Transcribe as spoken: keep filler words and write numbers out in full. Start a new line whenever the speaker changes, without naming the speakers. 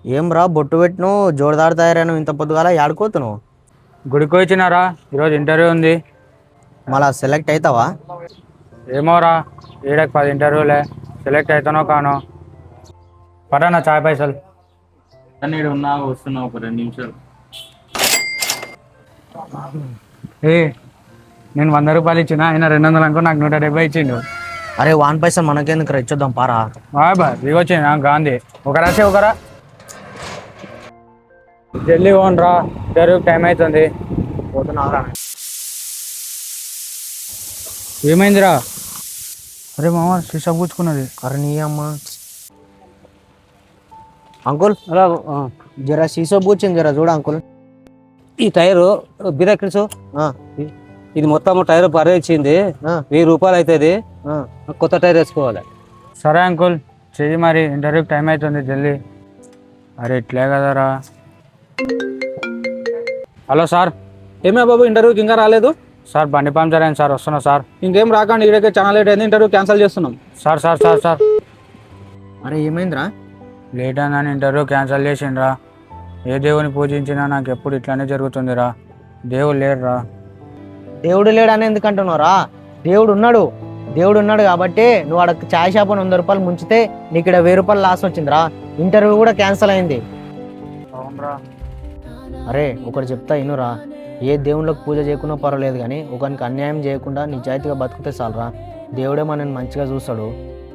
ఏం రా బొట్టు పెట్టిను జోరదారు తయారైన ఇంత పొద్దుగాల ఆడుకోతున్నావు.
గుడికి వచ్చినారా, ఈరోజు ఇంటర్వ్యూ ఉంది.
మళ్ళా సెలెక్ట్ అవుతావా?
ఏమోరా, ఏడకి పది ఇంటర్వ్యూలే, సెలెక్ట్ అవుతానో కానో. పటానా చాయ్ పైసలు.
నేను ఉన్నా వస్తున్నా ఒక రెండు నిమిషాలు.
ఏ నేను వంద రూపాయలు ఇచ్చిన, ఆయన రెండు వందలు అనుకో, నాకు నూట డెబ్బై ఇచ్చిండు.
అరే వాన్ పైసలు మనకెందుకు రా, ఇచ్చొద్దాం పారా.
బాయ్ బాయ్ దిగొచ్చింది గాంధీ. ఒకరా చే ఒకరా జల్దీ పోను రా, ఇంటర్వ్యూకి టైం అవుతుంది.
పోతున్నావురా?
ఏమైందిరా? అరే మామ సీసా కూర్చుకున్నది.
అరే నీ అమ్మ. అంకుల్
అలా
జరా సీసో పూచింది, జరా చూడ అంకుల్.
ఈ టైరు బిరాకిల్స్
ఆ,
ఇది మొత్తం టైర్ పరే ఇచ్చింది,
ఆ,
వెయ్యి రూపాయలు అవుతుంది.
ఆ.
కొత్త టైర్ వేసుకోవాలి.
సరే అంకుల్ చెయ్యి, మరి ఇంటర్వ్యూకి టైం అవుతుంది జల్దీ. అరే ఇట్లే కదరా. Hello sir.
ఏమే బాబు, ఇంటర్వ్యూకి ఇంకా రాలేదు?
సార్ బండి పంచర్ అయింది సార్, వస్తున్నా సార్.
ఇంకేం రాకండి, ఇక్కడికే చాలా లేట్ అయింది, ఇంటర్వ్యూ క్యాన్సిల్ చేస్తున్నాం.
సార్ సార్ సార్ సార్
అరే ఏమైందిరా?
లేట్ అయిందని ఇంటర్వ్యూ క్యాన్సిల్ చేసిండ్రా. ఏ దేవుని పూజించినా నాకు ఎప్పుడు ఇట్లానే జరుగుతుందిరా. దేవుడు లేడురా.
దేవుడు లేడని ఎందుకు అంటున్నావురా? దేవుడు ఉన్నాడు. దేవుడు ఉన్నాడు కాబట్టి నువ్వు అక్కడ ఛాయ్ షాప్ అని వంద రూపాయలు ముంచితే నీకు ఇక్కడ వెయ్యి రూపాయలు లాస్ వచ్చిందిరా. ఇంటర్వ్యూ కూడా క్యాన్సిల్ అయింది.
అవునరా.
అరే ఒకటి చెప్తా ఇనురా, ఏ దేవుళ్ళకి పూజ చేయకుండా పర్వాలేదు కానీ ఒకరికి అన్యాయం చేయకుండా నిజాయితీగా బతుకుతే చాలరా. దేవుడే మనని మంచిగా చూస్తాడు.